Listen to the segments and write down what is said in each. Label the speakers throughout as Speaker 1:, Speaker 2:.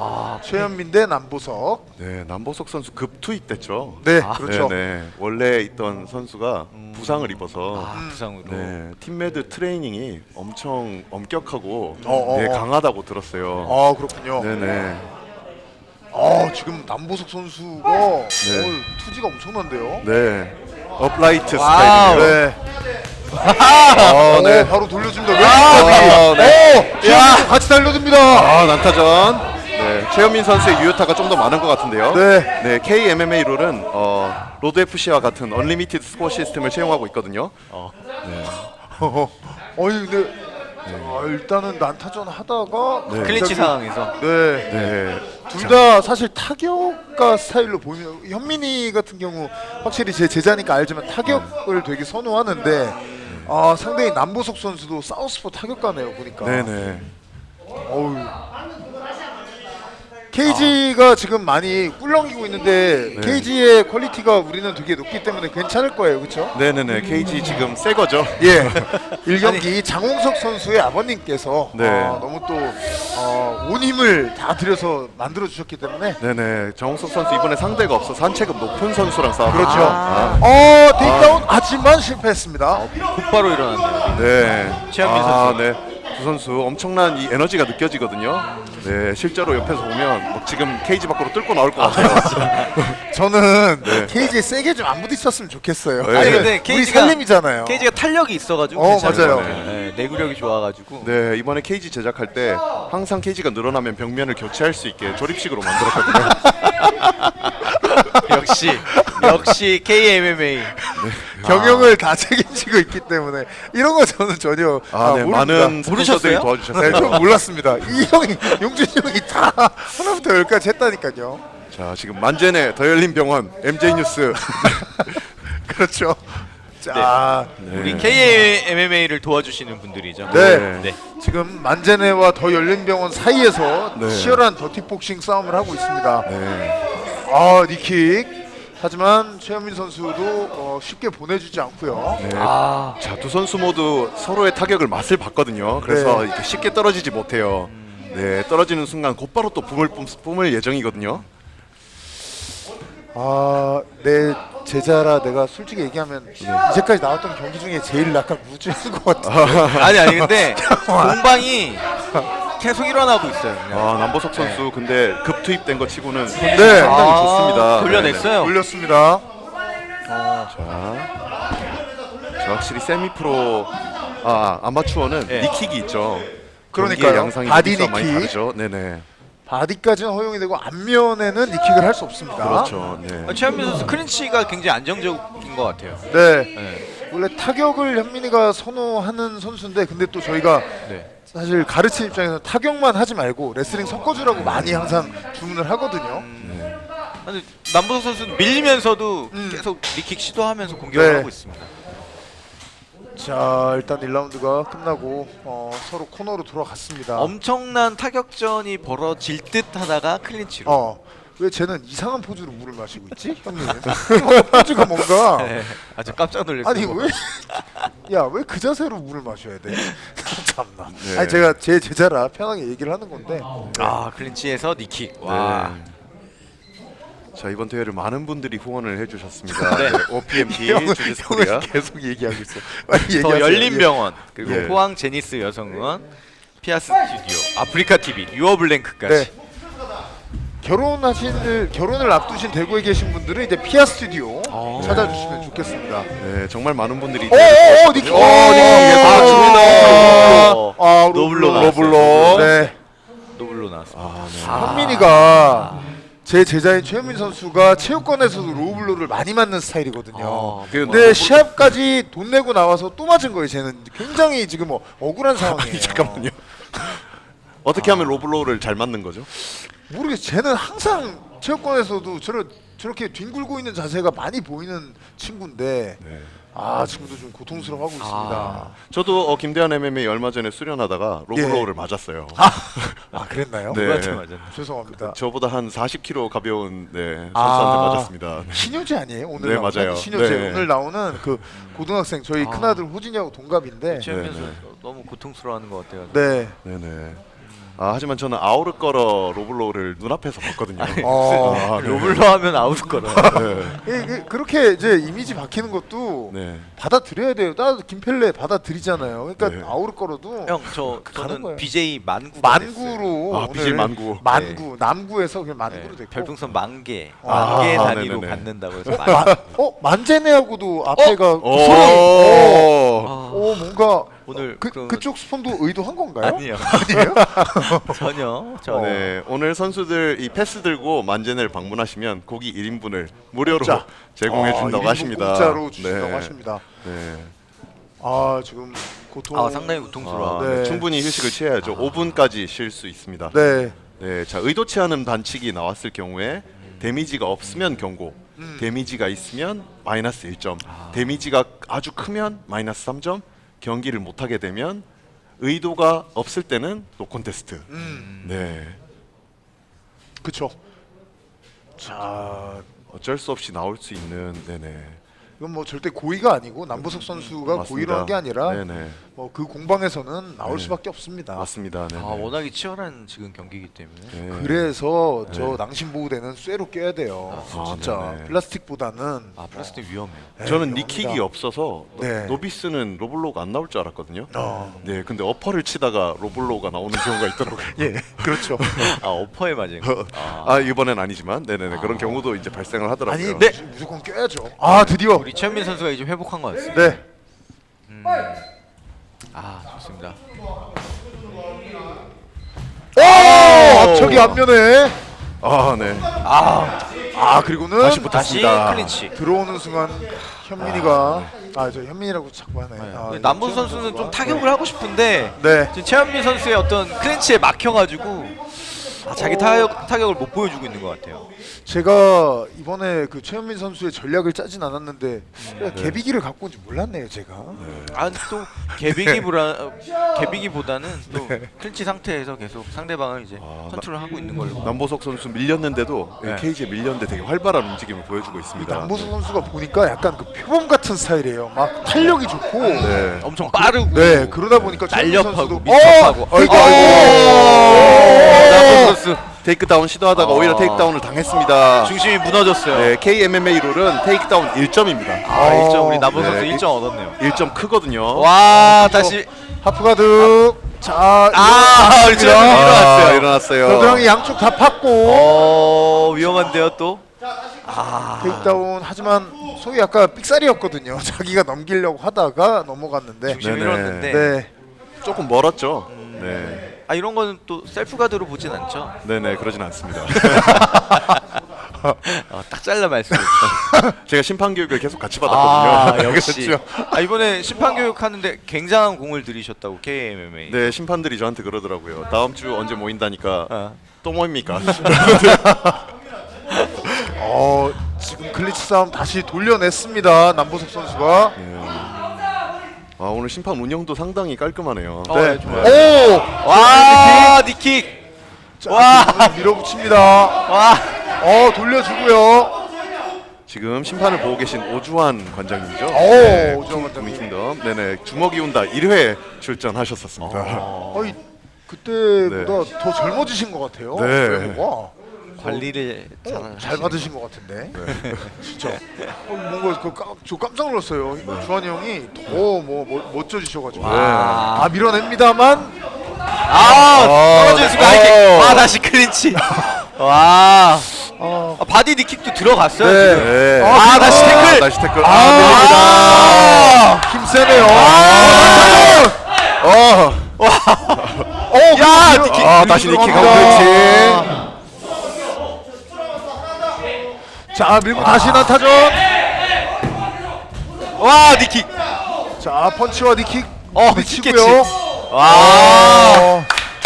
Speaker 1: 최현민 대 남보석.
Speaker 2: 네, 남보석 선수 급투입됐죠.
Speaker 1: 네, 그렇죠.
Speaker 2: 네. 원래 있던 선수가 부상을 입어서
Speaker 3: 부상으로.
Speaker 2: 네, 팀메드 트레이닝이 엄청 엄격하고
Speaker 1: 어.
Speaker 2: 강하다고 들었어요.
Speaker 1: 아, 그렇군요.
Speaker 2: 네네.
Speaker 1: 지금 남보석 선수가 투지가 엄청난데요.
Speaker 2: 네. 업라이트
Speaker 3: 와우.
Speaker 2: 스타일이에요.
Speaker 1: 네.
Speaker 2: 네.
Speaker 1: 바로 돌려줍니다.
Speaker 2: 네.
Speaker 1: 최현민 같이 달려듭니다.
Speaker 2: 난타전. 네, 최현민 선수의 유효타가 좀 더 많은 것 같은데요.
Speaker 1: 네.
Speaker 2: KMMA 룰은 로드 FC와 같은 언리미티드 스코어 시스템을 채용하고 있거든요.
Speaker 1: 근데 일단은 난타전 하다가
Speaker 3: 클린치 상황에서.
Speaker 2: 네.
Speaker 1: 둘 다 사실 타격가 스타일로 보이면 현민이 같은 경우 확실히 제 제자니까 알지만 타격을 되게 선호하는데 상대인 남보석 선수도 사우스포 타격가네요 보니까.
Speaker 2: 네네.
Speaker 1: 어우. KG가 지금 많이 꿀렁이고 있는데 KG의 퀄리티가 우리는 되게 높기 때문에 괜찮을 거예요, 그렇죠?
Speaker 2: 네네네. KG 지금 새 거죠.
Speaker 1: 예. 1경기 장홍석 선수의 아버님께서
Speaker 2: 네.
Speaker 1: 너무 또 온 힘을 다 들여서 만들어 주셨기 때문에
Speaker 2: 네네. 정우석 선수 이번에 상대가 없어 산체급 높은 선수랑 싸웠죠.
Speaker 1: 그렇죠. 테이크다운 하지만 실패했습니다.
Speaker 3: 곧바로 일어났네요.
Speaker 2: 네.
Speaker 3: 최현민 선수.
Speaker 2: 네. 두 선수 엄청난 이 에너지가 느껴지거든요. 네. 실제로 옆에서 보면 뭐 지금 케이지 밖으로 뚫고 나올 것 같아요.
Speaker 1: 저는
Speaker 2: 네.
Speaker 1: KG에 세게 좀 안 부딪혔으면 좋겠어요.
Speaker 2: 네.
Speaker 3: 아니 근데
Speaker 1: 우리
Speaker 3: KG가
Speaker 1: 살림이잖아요.
Speaker 3: KG가 탄력이 있어가지고 괜찮은
Speaker 1: 맞아요.
Speaker 3: 것 같아요. 네, 내구력이 좋아가지고.
Speaker 2: 네. 이번에 케이지 제작할 때 항상 케이지가 늘어나면 벽면을 교체할 수 있게 조립식으로 만들었거든요.
Speaker 3: 역시 KMMA.
Speaker 1: 경영을 다 책임지고 있기 때문에 이런 거 저는 전혀
Speaker 2: 네.
Speaker 1: 모릅니다.
Speaker 2: 많은 스폰서들이
Speaker 3: 모르셨어요?
Speaker 2: 도와주셨어요.
Speaker 1: 네, 좀 몰랐습니다. 이 형이 용준이 형이 다 하나부터 열까지 했다니까요.
Speaker 2: 자, 지금 만재네 더 열린 병원 MJ 뉴스.
Speaker 1: 그렇죠. 자,
Speaker 3: 우리 KMMA를 도와주시는 분들이죠.
Speaker 1: 네. 지금 만제네와 더 열린병원 사이에서
Speaker 2: 네.
Speaker 1: 치열한 더티복싱 싸움을 하고 있습니다.
Speaker 2: 네.
Speaker 1: 니킥. 하지만 최현민 선수도 쉽게 보내주지 않고요.
Speaker 2: 네. 자, 두 선수 모두 서로의 타격을 맛을 봤거든요. 그래서 이렇게 쉽게 떨어지지 못해요. 네, 떨어지는 순간 곧바로 또 뿜을 예정이거든요.
Speaker 1: 내 제자라 내가 솔직히 얘기하면 이제까지 나왔던 경기 중에 제일 약간 무주인 것 같아.
Speaker 3: 아니 근데 공방이 계속 일어나고 있어요. 그냥.
Speaker 2: 남보석 선수 근데 급투입된 거 치고는
Speaker 1: 네.
Speaker 2: 상당히 좋습니다.
Speaker 3: 돌려냈어요.
Speaker 1: 돌렸습니다.
Speaker 2: 자, 확실히 세미프로 아마추어는
Speaker 3: 네.
Speaker 2: 니킥이 있죠.
Speaker 1: 그러니까요.
Speaker 2: 경기의 양상이
Speaker 1: 바디
Speaker 2: 많이
Speaker 1: 니킥.
Speaker 2: 다르죠. 네네.
Speaker 1: 바디까지는 허용이 되고 앞면에는 니킥을 할 수 없습니다.
Speaker 2: 그렇죠. 네.
Speaker 3: 최현민 선수 클린치가 굉장히 안정적인 것 같아요.
Speaker 1: 네.
Speaker 3: 네.
Speaker 1: 원래 타격을 현민이가 선호하는 선수인데 근데 또 저희가
Speaker 3: 네.
Speaker 1: 사실 가르치는 입장에서 타격만 하지 말고 레슬링 섞어주라고 많이 항상 주문을 하거든요.
Speaker 3: 근데 남보석 선수는 밀리면서도 계속 니킥 시도하면서 공격을
Speaker 1: 네.
Speaker 3: 하고 있습니다.
Speaker 1: 자, 일단 1라운드가 끝나고 서로 코너로 돌아갔습니다.
Speaker 3: 엄청난 타격전이 벌어질 듯 하다가 클린치로.
Speaker 1: 왜 쟤는 이상한 포즈로 물을 마시고 있지? 형님. 포즈가 뭔가
Speaker 3: 네. 아주 깜짝 놀랐어요.
Speaker 1: 아니 왜 그 자세로 물을 마셔야 돼? 참나.
Speaker 2: 네.
Speaker 1: 아니 제가 제 제자라 편하게 얘기를 하는 건데.
Speaker 3: 클린치에서 니킥. 와.
Speaker 2: 네. 자, 이번 대회를 많은 분들이 후원을 해주셨습니다.
Speaker 3: 네.
Speaker 2: OPMP,
Speaker 1: 형은
Speaker 2: 주지스 코리아.
Speaker 1: 계속 얘기하고 있어. 빨리
Speaker 3: 더
Speaker 1: 얘기하세요.
Speaker 3: 열린 병원 그리고
Speaker 2: 예.
Speaker 3: 포항 제니스 여성의원 피아스 스튜디오 아프리카 TV 유어블랭크까지.
Speaker 1: 네. 결혼을 앞두신 대구에 계신 분들은 이제 피아 스튜디오 찾아주시면 좋겠습니다.
Speaker 2: 네, 정말 많은 분들이
Speaker 1: 니킥.
Speaker 3: 노블로
Speaker 1: 로블로. 네.
Speaker 3: 노블로 나왔습니다.
Speaker 1: 현민이가 제 제자인 최현민 선수가 체육관에서도 로우블로를 많이 맞는 스타일이거든요. 근데 시합까지 돈 내고 나와서 또 맞은 거예요. 쟤는 굉장히 지금 억울한 상황이에요.
Speaker 2: 잠깐만요. 어떻게 하면 로블로우를 잘 맞는 거죠?
Speaker 1: 모르겠어. 쟤는 항상 체육관에서도 저렇게 뒹굴고 있는 자세가 많이 보이는 친구인데 지금도 좀 고통스러워하고 있습니다.
Speaker 2: 저도 김대한 MMA 얼마 전에 수련하다가 로블로우를 맞았어요.
Speaker 1: 그랬나요?
Speaker 2: 네.
Speaker 3: 누구한테 맞았나?
Speaker 1: 죄송합니다.
Speaker 2: 저보다 한 40kg 가벼운 선수한테 맞았습니다. 네.
Speaker 1: 신효재 아니에요? 오늘
Speaker 2: 네,
Speaker 1: 나오는?
Speaker 2: 맞아요.
Speaker 1: 신효재
Speaker 2: 네.
Speaker 1: 오늘 나오는 그 고등학생 저희 큰아들 호진이하고 동갑인데
Speaker 3: 최현민
Speaker 2: 네,
Speaker 3: 선수 너무 고통스러워하는 것 같아요.
Speaker 1: 네.
Speaker 2: 네네. 하지만 저는 아우르거러 로블로를 눈앞에서 봤거든요.
Speaker 1: 네.
Speaker 3: 로블로 하면 아웃 거라.
Speaker 1: 그렇게 이제 이미지 박히는 것도
Speaker 2: 네.
Speaker 1: 받아들여야 돼요. 나도 김펠레 받아들이잖아요. 그러니까
Speaker 2: 네.
Speaker 1: 아우르거러도
Speaker 3: 형
Speaker 1: 가는 거예요.
Speaker 3: 저는 BJ 만구.
Speaker 1: 만구로
Speaker 2: BJ 만구.
Speaker 1: 만구 남구에서 그냥 만구로 됐고
Speaker 3: 별풍선 만개
Speaker 1: 아,
Speaker 3: 단위로
Speaker 2: 네네네.
Speaker 3: 받는다고 해서 만개.
Speaker 1: 만제네하고도 앞에가 그
Speaker 2: 오.
Speaker 1: 소리. 뭔가
Speaker 3: 오늘
Speaker 1: 그쪽 스폰도 의도한 건가요?
Speaker 3: 아니요.
Speaker 1: 아니에요?
Speaker 3: 전혀.
Speaker 2: 네, 오늘 선수들 이 패스 들고 만제네를 방문하시면 고기 1인분을 무료로
Speaker 1: 공짜.
Speaker 2: 제공해 준다고
Speaker 1: 1인분
Speaker 2: 하십니다.
Speaker 1: 공짜로 주신다고
Speaker 2: 네.
Speaker 1: 하십니다.
Speaker 2: 네.
Speaker 1: 지금 고통.
Speaker 3: 상당히 고통스러워.
Speaker 1: 네.
Speaker 2: 충분히 휴식을 취해야죠. 5분까지 쉴 수 있습니다.
Speaker 1: 네.
Speaker 2: 네, 자 의도치 않은 반칙이 나왔을 경우에 데미지가 없으면 경고, 데미지가 있으면 마이너스 1점, 데미지가 아주 크면 마이너스 3점, 경기를 못하게 되면 의도가 없을 때는 노콘테스트. 네,
Speaker 1: 그렇죠. 자,
Speaker 2: 어쩔 수 없이 나올 수 있는 네네.
Speaker 1: 이건 뭐 절대 고의가 아니고 남보석 선수가
Speaker 2: 맞습니다.
Speaker 1: 고의로 한 게 아니라
Speaker 2: 네네.
Speaker 1: 그 공방에서는 나올
Speaker 2: 네.
Speaker 1: 수밖에 없습니다.
Speaker 2: 맞습니다. 네네.
Speaker 3: 워낙에 치열한 지금 경기이기 때문에.
Speaker 2: 네.
Speaker 1: 그래서 저 낭심 보호대는 쇠로 껴야 돼요.
Speaker 2: 아,
Speaker 1: 진짜
Speaker 2: 네네.
Speaker 1: 플라스틱보다는
Speaker 3: 플라스틱 위험해요.
Speaker 2: 저는
Speaker 1: 위험합니다.
Speaker 2: 니킥이 없어서
Speaker 1: 네.
Speaker 2: 노비스는 로블로가 안 나올 줄 알았거든요.
Speaker 1: 어.
Speaker 2: 네, 근데 어퍼를 치다가 로블로가 나오는 경우가 있더라고요.
Speaker 1: 예, 그렇죠.
Speaker 3: 어퍼에 맞은 거.
Speaker 2: 이번엔 아니지만, 네네네 그런 경우도 이제 발생을 하더라고요.
Speaker 1: 아니,
Speaker 3: 네.
Speaker 1: 무조건 껴야죠. 드디어.
Speaker 3: 우리 최현민 선수가 이제 회복한 것 같습니다.
Speaker 1: 네.
Speaker 3: 좋습니다.
Speaker 1: 앞척이 앞면에.
Speaker 2: 네.
Speaker 1: 그리고는
Speaker 2: 다시
Speaker 3: 다시
Speaker 2: 붙었습니다.
Speaker 3: 클린치.
Speaker 1: 들어오는 순간 현민이가 저 현민이라고 자꾸 하네.
Speaker 3: 남문 선수는 좀 타격을 하고 싶은데
Speaker 1: 네.
Speaker 3: 지금 최현민 선수의 어떤 클린치에 막혀가지고 자기 타격을 못 보여주고 있는 것 같아요.
Speaker 1: 제가 이번에 그 최현민 선수의 전략을 짜진 않았는데 개비기를 갖고 온지 몰랐네요, 제가.
Speaker 3: 근데 또 개비기보다는 또 클린치 상태에서 계속 상대방을 이제 컨트롤하고 있는 걸로.
Speaker 2: 남보석 선수 밀렸는데도
Speaker 3: 네.
Speaker 2: 케이지에 밀렸는데 되게 활발한 움직임을 보여주고 있습니다.
Speaker 1: 남보석 선수가 보니까 약간 그 표범 같은 스타일이에요. 막 탄력이 좋고.
Speaker 2: 네.
Speaker 3: 엄청 빠르고.
Speaker 1: 네, 그러다 보니까 최현민
Speaker 3: 날렵하고
Speaker 1: 선수도
Speaker 3: 민첩하고.
Speaker 1: 아이고.
Speaker 3: 남문 선수
Speaker 2: 테이크다운 시도하다가 오히려 테이크다운을 당했습니다.
Speaker 3: 중심이 무너졌어요.
Speaker 2: 네, KMMA 룰은 테이크다운 1점입니다.
Speaker 3: 1점 우리 남문 선수
Speaker 2: 네.
Speaker 3: 1점 얻었네요.
Speaker 2: 1점 크거든요.
Speaker 3: 와 다시
Speaker 1: 하프가드. 자,
Speaker 3: 우리 최현민 일어났어요.
Speaker 2: 일어났어요.
Speaker 1: 겨드랑이 양쪽 다 팠고.
Speaker 3: 위험한데요 또.
Speaker 1: 테이크다운 하지만 소위 아까 삑사리였거든요. 자기가 넘기려고 하다가 넘어갔는데.
Speaker 3: 중심이
Speaker 2: 네네.
Speaker 3: 잃었는데.
Speaker 1: 네.
Speaker 2: 조금 멀었죠. 네.
Speaker 3: 이런 거는 또 셀프 가드로 보진 않죠.
Speaker 2: 네네 그러진 않습니다.
Speaker 3: 딱 잘라 말씀해
Speaker 2: 제가 심판 교육을 계속 같이 받았거든요.
Speaker 3: 역시.
Speaker 2: 그렇죠.
Speaker 3: 이번에 심판 교육 하는데 굉장한 공을 들이셨다고 KMMA.
Speaker 2: 네 심판들이 저한테 그러더라고요. 다음 주 언제 모인다니까 또 모입니까?
Speaker 1: 지금 클리치 싸움 다시 돌려냈습니다. 남보석 선수가.
Speaker 2: 오늘 심판 운영도 상당히 깔끔하네요.
Speaker 1: 네.
Speaker 3: 좋아요. 와 니킥.
Speaker 1: 자, 밀어붙입니다.
Speaker 3: 와.
Speaker 1: 돌려주고요.
Speaker 2: 지금 심판을 보고 계신 오주환 관장님이죠.
Speaker 1: 오주환 관장님.
Speaker 2: 킹덤. 네네 주먹이 온다 1회 출전하셨었습니다.
Speaker 1: 그때보다 더 젊어지신 것 같아요.
Speaker 2: 네.
Speaker 1: 와,
Speaker 3: 관리를
Speaker 1: 잘 받으신 것 같은데. 진짜. 뭔가 저 깜짝 놀랐어요. 주환이 형이 더 멋져지셔가지고. 밀어냅니다만.
Speaker 3: 떨어질 수가 하이킥. 다시 클린치. 와. 바디 니킥도 들어갔어요.
Speaker 1: 네.
Speaker 3: 지금.
Speaker 2: 네.
Speaker 3: 다시 태클.
Speaker 2: 다시 태클.
Speaker 1: 밀립니다. 힘 세네요.
Speaker 3: 야 니킥.
Speaker 2: 다시 니킥 하고
Speaker 1: 들어갑니다. 자, 밀고 다시 난타전.
Speaker 3: 와 니킥.
Speaker 1: 자, 펀치와 니킥.
Speaker 3: 미치고요. 와.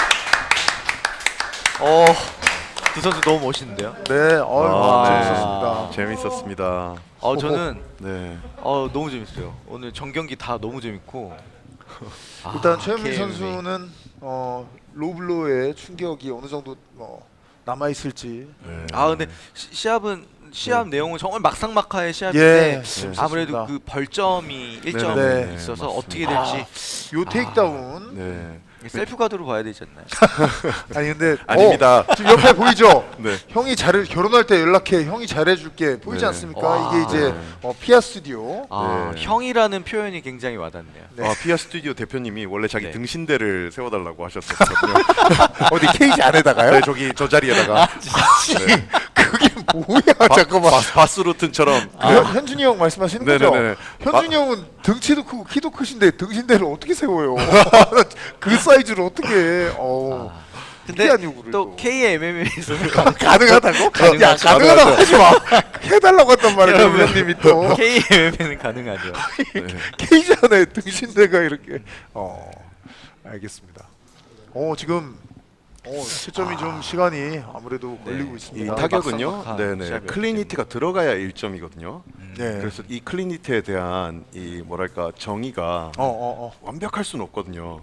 Speaker 3: 두 선수 너무 멋있는데요.
Speaker 1: 네, 재밌었습니다.
Speaker 2: 재밌었습니다.
Speaker 3: 저는
Speaker 2: 네.
Speaker 3: 너무 재밌어요. 오늘 전 경기 다 너무 재밌고.
Speaker 1: 일단 최현민
Speaker 3: KMA.
Speaker 1: 선수는 로블로의 충격이 어느 정도 남아 있을지.
Speaker 3: 근데 시합 내용은 정말 막상막하의 시합인데 아무래도 그 벌점이 1점
Speaker 2: 네,
Speaker 3: 있어서
Speaker 2: 맞습니다.
Speaker 3: 어떻게 될지.
Speaker 1: 요 테이크다운.
Speaker 2: 네.
Speaker 3: 셀프 가드로 봐야 되지 않나요?
Speaker 1: 아니 근데
Speaker 2: 아닙니다.
Speaker 1: 지금 옆에 보이죠?
Speaker 2: 네.
Speaker 1: 형이 잘해 결혼할 때 연락해. 형이 잘해줄게. 보이지
Speaker 2: 네.
Speaker 1: 않습니까?
Speaker 3: 와.
Speaker 1: 이게 이제
Speaker 2: 네.
Speaker 1: 피아 스튜디오.
Speaker 3: 아,
Speaker 2: 네.
Speaker 3: 형이라는 표현이 굉장히 와닿네요.
Speaker 1: 네.
Speaker 2: 피아 스튜디오 대표님이 원래 자기
Speaker 3: 네.
Speaker 2: 등신대를 세워달라고 하셨었거든요.
Speaker 1: 어디 케이지 안에다가요?
Speaker 2: 네, 저기 저 자리에다가 네.
Speaker 1: 그게 뭐야? 잠깐만.
Speaker 2: 바스루튼처럼
Speaker 1: 현준이 형 말씀하시는 거죠?
Speaker 2: 네네네.
Speaker 1: 현준이 형은 등치도 크고 키도 크신데 등신대를 어떻게 세워요? 그 사이즈를 어떻게 해?
Speaker 3: 근데
Speaker 1: 피아 요구를
Speaker 3: 또 KMMA에서는
Speaker 1: 가능하다고?
Speaker 3: 가능하죠.
Speaker 1: 야 가능하다고 하지 마. 해달라고 했단 말이야
Speaker 3: 여러분.
Speaker 1: 위원님이 또.
Speaker 3: KMMA는 가능하죠.
Speaker 1: 케이지 안에 등신대가 이렇게. 알겠습니다. 지금 채점이 좀 시간이 아무래도 걸리고
Speaker 2: 이
Speaker 1: 있습니다.
Speaker 2: 타격은요.
Speaker 3: 막상
Speaker 2: 네네.
Speaker 3: 시합이
Speaker 2: 클리니티가 들어가야 1점이거든요.
Speaker 1: 네.
Speaker 2: 그래서 이 클리니티에 대한 이 뭐랄까 정의가 완벽할 수는 없거든요.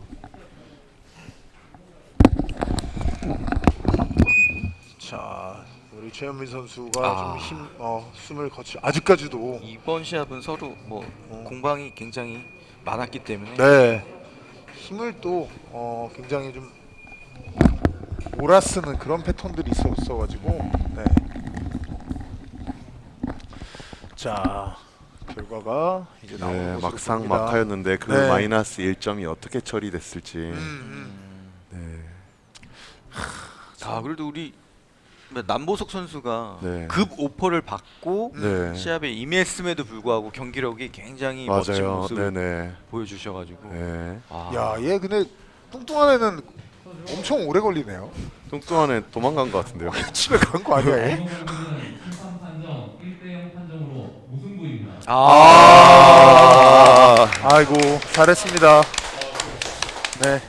Speaker 1: 자, 우리 최현민 선수가 좀 숨을 거치. 아직까지도.
Speaker 3: 이번 시합은 서로 뭐 공방이 굉장히 많았기 때문에
Speaker 1: 네. 힘을 또 굉장히 좀 몰아쓰는 그런 패턴들이 있었어가지고. 네. 자, 결과가 이제 나오는
Speaker 2: 네,
Speaker 1: 것으로
Speaker 2: 막상
Speaker 1: 보입니다.
Speaker 2: 막하였는데 그
Speaker 1: 네.
Speaker 2: 마이너스 1점이 어떻게 처리됐을지. 네.
Speaker 3: 그래도 우리 남보석 선수가
Speaker 2: 네.
Speaker 3: 급 오퍼를 받고
Speaker 2: 네.
Speaker 3: 시합에 임했음에도 불구하고 경기력이 굉장히 멋진
Speaker 2: 맞아요.
Speaker 3: 모습을
Speaker 2: 네네.
Speaker 3: 보여주셔가지고
Speaker 2: 네.
Speaker 1: 야, 얘 근데 뚱뚱한 애는 엄청 오래 걸리네요.
Speaker 2: 뚱뚱한 애 도망간 것 같은데요.
Speaker 1: 집에 간 거 아니야? 얘?
Speaker 4: 심판 판정 1대0 판정으로 무승부입니다.
Speaker 1: 아이고 잘했습니다.